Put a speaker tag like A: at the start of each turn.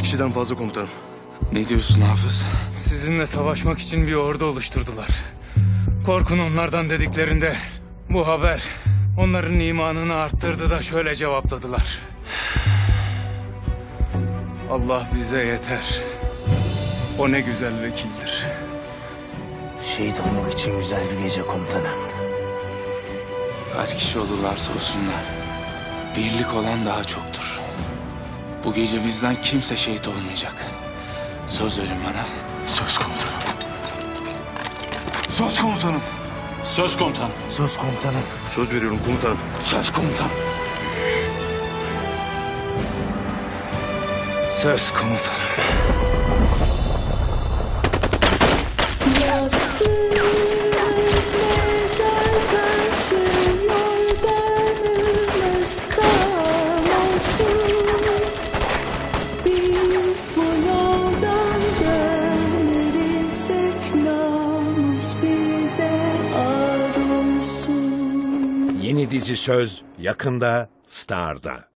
A: kişiden fazla komutanım.
B: Ne diyorsun Hafız?
C: Sizinle savaşmak için bir ordu oluşturdular. Korkun onlardan dediklerinde bu haber onların imanını arttırdı da şöyle cevapladılar. Allah bize yeter. O ne güzel vekildir.
D: Şehit olmak için güzel bir gece komutanım.
B: Kaç kişi olurlarsa olsunlar, birlik olan daha çoktur. Bu gece bizden kimse şehit olmayacak. Söz verin bana.
A: Söz komutanım. Söz komutanım.
E: Söz komutan.
D: Söz komutanım.
A: Söz veriyorum komutanım.
D: Söz komutanım.
C: Söz komutanım.
F: Yastığımız mezar taşı, yorganımız kan olsun. Biz bu yoldan dönersek namus bize ar olsun.
G: Yeni dizi Söz yakında Star'da.